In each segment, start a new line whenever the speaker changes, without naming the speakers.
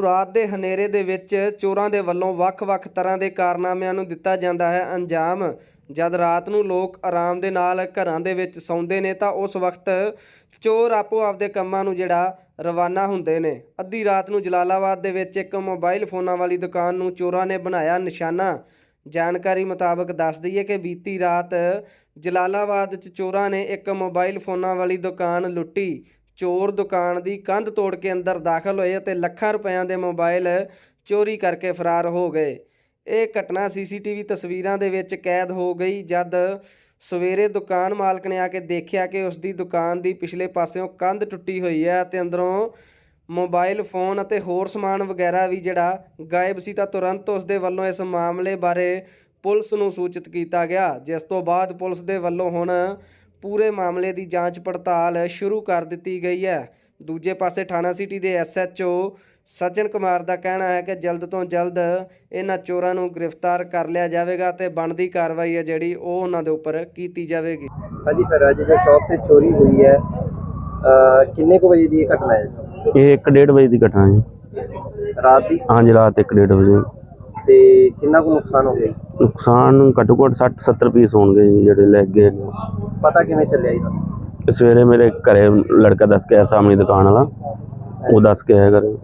ਰਾਤ ਦੇ ਹਨੇਰੇ ਦੇ ਵਿੱਚ ਚੋਰਾਂ ਦੇ ਵੱਲੋਂ ਵੱਖ-ਵੱਖ ਤਰ੍ਹਾਂ ਦੇ ਕਾਰਨਾਮਿਆਂ ਨੂੰ ਦਿੱਤਾ ਜਾਂਦਾ ਹੈ ਅੰਜਾਮ। ਜਦ ਰਾਤ ਨੂੰ ਲੋਕ ਆਰਾਮ ਦੇ ਨਾਲ ਘਰਾਂ ਦੇ ਵਿੱਚ ਸੌਂਦੇ ਨੇ ਤਾਂ ਉਸ ਵਕਤ ਚੋਰ ਆਪੋ ਆਪਦੇ ਕੰਮਾਂ ਨੂੰ ਰਵਾਨਾ ਹੁੰਦੇ ਨੇ। ਅੱਧੀ ਰਾਤ ਨੂੰ ਜਲਾਲਾਬਾਦ ਦੇ ਵਿੱਚ ਇੱਕ ਮੋਬਾਈਲ ਫੋਨਾਂ ਵਾਲੀ ਦੁਕਾਨ ਨੂੰ ਚੋਰਾਂ ਨੇ ਬਣਾਇਆ ਨਿਸ਼ਾਨਾ। ਜਾਣਕਾਰੀ ਮੁਤਾਬਕ ਦੱਸ ਦਈਏ ਕਿ ਬੀਤੀ ਰਾਤ ਜਲਾਲਾਬਾਦ 'ਚ ਚੋਰਾਂ ਨੇ ਇੱਕ ਮੋਬਾਈਲ ਫੋਨਾਂ ਵਾਲੀ ਦੁਕਾਨ ਲੁੱਟੀ। ਚੋਰ ਦੁਕਾਨ ਦੀ ਕੰਧ ਤੋੜ ਕੇ ਅੰਦਰ ਦਾਖਲ ਹੋਏ ਅਤੇ ਲੱਖਾਂ ਰੁਪਇਆਂ ਦੇ ਮੋਬਾਈਲ ਚੋਰੀ ਕਰਕੇ ਫਰਾਰ ਹੋ ਗਏ। ਇਹ ਘਟਨਾ ਸੀਸੀਟੀਵੀ ਤਸਵੀਰਾਂ ਦੇ ਵਿੱਚ ਕੈਦ ਹੋ ਗਈ। ਜਦ ਸਵੇਰੇ ਦੁਕਾਨ ਮਾਲਕ ਨੇ ਆ ਕੇ ਦੇਖਿਆ ਕਿ ਉਸ ਦੀ ਦੁਕਾਨ ਦੀ ਪਿਛਲੇ ਪਾਸਿਓਂ ਕੰਧ ਟੁੱਟੀ ਹੋਈ ਹੈ ਅਤੇ ਅੰਦਰੋਂ ਮੋਬਾਈਲ ਫੋਨ ਅਤੇ ਹੋਰ ਸਮਾਨ ਵਗੈਰਾ ਵੀ ਗਾਇਬ ਸੀ, ਤਾਂ ਤੁਰੰਤ ਉਸ ਦੇ ਵੱਲੋਂ ਇਸ ਮਾਮਲੇ ਬਾਰੇ ਪੁਲਿਸ ਨੂੰ ਸੂਚਿਤ ਕੀਤਾ ਗਿਆ, ਜਿਸ ਤੋਂ ਬਾਅਦ ਪੁਲਿਸ ਦੇ ਵੱਲੋਂ ਹੁਣ ਪੂਰੇ ਮਾਮਲੇ ਦੀ ਜਾਂਚ ਪੜਤਾਲ ਸ਼ੁਰੂ ਕਰ ਦਿੱਤੀ ਗਈ ਹੈ। ਦੂਜੇ ਪਾਸੇ ਥਾਣਾ ਸਿਟੀ ਦੇ SHO ਸੱਜਣ ਕੁਮਾਰ ਦਾ ਕਹਿਣਾ ਹੈ ਕਿ ਜਲਦ ਤੋਂ ਜਲਦ ਇਹਨਾਂ ਚੋਰਾਂ ਨੂੰ ਗ੍ਰਿਫਤਾਰ ਕਰ ਲਿਆ ਜਾਵੇਗਾ ਤੇ ਬਣਦੀ ਕਾਰਵਾਈ ਹੈ ਜਿਹੜੀ ਉਹ ਉਹਨਾਂ ਦੇ ਉੱਪਰ ਕੀਤੀ ਜਾਵੇਗੀ।
ਹਾਂਜੀ ਸਰ, ਅੱਜ ਜੋ ਸ਼ੌਪ ਤੇ ਚੋਰੀ ਹੋਈ ਹੈ ਕਿੰਨੇ ਕੁ ਵਜੇ ਦੀ ਘਟਨਾ ਹੈ?
ਇਹ 1:30 ਵਜੇ ਦੀ ਘਟਨਾ ਹੈ।
ਰਾਤ ਦੀ?
ਹਾਂਜੀ, ਰਾਤ 1:30 ਵਜੇ।
ਤੇ ਕਿੰਨਾ ਕੁ ਨੁਕਸਾਨ ਹੋ ਗਿਆ?
ਨੁਕਸਾਨ ਘੱਟੋ ਘੱਟ 60-70 ਪੀਸ ਹੋਣਗੇ ਜਿਹੜੇ ਲੈ ਗਏ।
ਪਤਾ ਕਿਵੇਂ ਚੱਲਿਆ ਇਹਦਾ?
ਸਵੇਰੇ ਮੇਰੇ ਘਰੇ ਲੜਕਾ ਦੱਸ ਕੇ ਆਇਆ, ਸਾਹਮਣੀ ਦੁਕਾਨ ਵਾਲਾ, ਉਹ ਦੱਸ ਕੇ ਆਇਆ ਘਰੇ।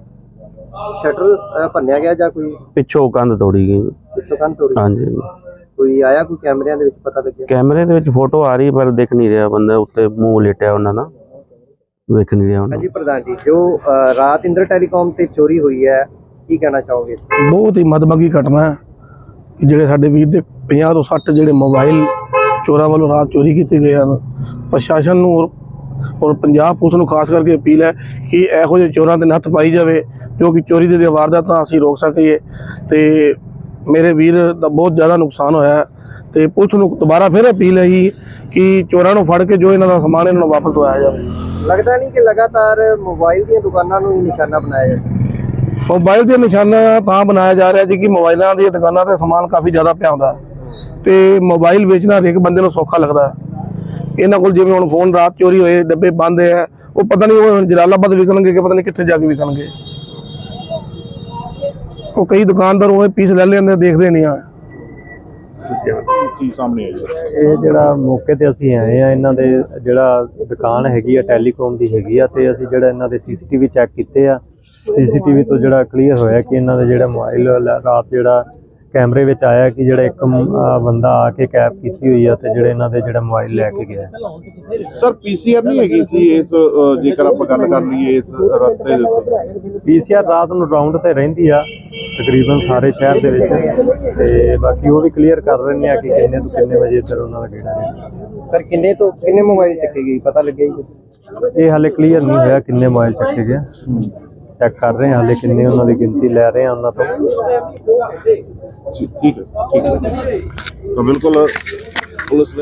ਸ਼ਟਰ ਭੰਨਿਆ ਗਿਆ ਜਾਂ ਕੋਈ
ਪਿੱਛੋਂ ਕੰਧ ਤੋੜੀ ਗਈ?
ਪਿੱਛੋਂ ਕੰਧ ਤੋੜੀ?
ਹਾਂਜੀ।
ਕੋਈ ਆਇਆ, ਕੋਈ ਕੈਮਰਿਆਂ ਦੇ ਵਿੱਚ ਪਤਾ ਲੱਗਿਆ?
ਕੈਮਰੇ ਦੇ ਵਿੱਚ ਫੋਟੋ ਆ ਰਹੀ ਪਰ ਦਿਖ ਨਹੀਂ ਰਿਹਾ, ਬੰਦਾ ਉੱਤੇ ਮੂੰਹ ਲੇਟਿਆ ਉਹਨਾਂ ਦਾ, ਵੇਖ ਨਹੀਂ ਰਿਹਾ ਉਹਨਾਂ।
ਹਾਂਜੀ ਪ੍ਰਧਾਨ ਜੀ, ਜੋ ਰਾਤ ਇੰਦਰ ਟੈਲੀਕਾਮ ਤੇ ਚੋਰੀ ਹੋਈ ਹੈ ਕੀ ਕਹਿਣਾ ਚਾਹੋਗੇ?
ਬਹੁਤ ਹੀ ਮਦਭਾਗੀ ਘਟਨਾ ਹੈ। ਜਿਹੜੇ ਸਾਡੇ ਵੀਰ ਦੇ 50 ਤੋਂ 60 ਜਿਹੜੇ ਮੋਬਾਈਲ ਚੋਰਾਂ ਵੱਲੋਂ ਰਾਤ ਚੋਰੀ ਕੀਤੇ ਗਏ ਹਨ। ਪ੍ਰਸ਼ਾਸਨ ਨੂੰ ਔਰ ਪੰਜਾਬ ਪੁਲਿਸ ਨੂੰ ਖਾਸ ਕਰਕੇ ਅਪੀਲ ਹੈ ਕਿ ਇਹੋ ਜਿਹੇ ਚੋਰਾਂ ਦੇ ਨੱਥ ਪਾਈ ਜਾਵੇ ਜੋ ਕਿ ਚੋਰੀ ਦੇ ਵਾਰਦਾਤਾਂ ਅਸੀਂ ਰੋਕ ਸਕੀਏ। ਤੇ ਮੇਰੇ ਵੀਰ ਦਾ ਬਹੁਤ ਜ਼ਿਆਦਾ ਨੁਕਸਾਨ ਹੋਇਆ ਹੈ ਤੇ ਪੁਲਿਸ ਨੂੰ ਦੁਬਾਰਾ ਫਿਰ ਅਪੀਲ ਹੈ ਕਿ ਚੋਰਾਂ ਨੂੰ ਫੜ ਕੇ ਜੋ ਇਹਨਾਂ ਦਾ ਸਮਾਨ ਇਹਨਾਂ ਨੂੰ ਵਾਪਸ ਦਵਾਇਆ ਜਾਵੇ।
ਲੱਗਦਾ ਨਹੀਂ ਕਿ ਲਗਾਤਾਰ ਮੋਬਾਈਲ ਦੀਆਂ ਦੁਕਾਨਾਂ ਨੂੰ ਹੀ ਨਿਸ਼ਾਨਾ ਬਣਾਇਆ ਜਾਂਦਾ?
ਮੋਬਾਈਲ ਦੇ ਨਿਸ਼ਾਨਾ ਤਾਂ ਬਣਾਇਆ ਜਾ ਰਿਹਾ ਜੀ ਕਿ ਮੋਬਾਈਲਾਂ ਦੀਆਂ ਦੁਕਾਨਾਂ ਤੇ ਸਮਾਨ ਕਾਫੀ ਜ਼ਿਆਦਾ ਪਿਆ ਹੁੰਦਾ ਤੇ ਮੋਬਾਈਲ ਵੇਚਣਾ ਹਰੇਕ ਬੰਦੇ ਨੂੰ ਸੌਖਾ ਲੱਗਦਾ ਹੈ। ਇਹਨਾਂ ਕੋਲ ਜਿਵੇਂ ਹੁਣ ਫੋਨ ਰਾਤ ਚੋਰੀ ਹੋਏ, ਡੱਬੇ ਬੰਦ ਹੈ, ਉਹ ਪਤਾ ਨਹੀਂ ਉਹ ਜਲਾਲਾਬਾਦ ਵਿਕਣਗੇ ਕਿ ਪਤਾ ਨਹੀਂ ਕਿੱਥੇ ਜਾ ਕੇ ਵਿਕਣਗੇ। ਉਹ ਕਈ ਦੁਕਾਨਦਾਰ ਉਹ ਪੀਸ ਲੈ ਲੈਂਦੇ, ਦੇਖਦੇ ਨਹੀਂ ਆ।
ਇਹ ਜਿਹੜਾ ਮੌਕੇ ਤੇ ਅਸੀਂ ਆਏ ਆ, ਇਹਨਾਂ ਦੇ ਜਿਹੜਾ ਦੁਕਾਨ ਹੈਗੀ ਆ ਟੈਲੀਕਾਮ ਦੀ ਹੈਗੀ ਆ, ਤੇ ਅਸੀਂ ਜਿਹੜਾ ਇਹਨਾਂ ਦੇ CCTV ਚੈੱਕ ਕੀਤੇ ਆ। CCTV ਤੋਂ ਜਿਹੜਾ ਕਲੀਅਰ ਹੋਇਆ ਕਿ ਇਹਨਾਂ ਦੇ ਜਿਹੜਾ ਮੋਬਾਈਲ ਰਾਤ ਜਿਹੜਾ ਕੈਮਰੇ ਵਿੱਚ ਆਇਆ ਕਿ ਜਿਹੜਾ ਇੱਕ ਬੰਦਾ ਆ ਕੇ ਕੈਪ ਕੀਤੀ ਹੋਈ ਆ ਤੇ ਜਿਹੜੇ ਇਹਨਾਂ ਦੇ ਜਿਹੜਾ ਮੋਬਾਈਲ ਲੈ ਕੇ ਗਿਆ।
ਸਰ PCR ਨਹੀਂ ਹੈਗੀ ਸੀ ਇਸ, ਜੇਕਰ ਆਪਾਂ ਗੱਲ ਕਰ ਲਈਏ ਇਸ ਰਸਤੇ ਦੇ ਉੱਤੇ?
PCR ਰਾਤ ਨੂੰ ਰਾਉਂਡ ਤੇ ਰਹਿੰਦੀ ਆ ਤਕਰੀਬਨ ਸਾਰੇ ਸ਼ਹਿਰ ਦੇ ਵਿੱਚ, ਤੇ ਬਾਕੀ ਉਹ ਵੀ ਕਲੀਅਰ ਕਰ ਰਹੇ ਨੇ ਆ ਕਿ ਕਿੰਨੇ ਤੋਂ ਕਿੰਨੇ ਵਜੇ ਤੱਕ ਉਹਨਾਂ ਦਾ ਗੇੜਾ ਹੈ।
ਸਰ ਕਿੰਨੇ ਤੋਂ ਕਿੰਨੇ ਮੋਬਾਈਲ ਚੱਕੇ ਗਏ ਪਤਾ ਲੱਗਿਆ ਜੀ?
ਇਹ ਹਾਲੇ ਕਲੀਅਰ ਨਹੀਂ ਹੋਇਆ ਕਿੰਨੇ ਮੋਬਾਈਲ ਚੱਕੇ ਗਏ, ਚੈੱਕ ਕਰ ਰਹੇ ਹਾਂ ਹਾਲੇ ਕਿੰਨੇ ਉਹਨਾਂ ਦੀ ਗਿਣਤੀ ਲੈ ਰਹੇ ਹਾਂ ਉਹਨਾਂ ਤੋਂ।
ਠੀਕ ਹੈ, ਤਾਂ ਬਿਲਕੁਲ ਪੁਲਿਸ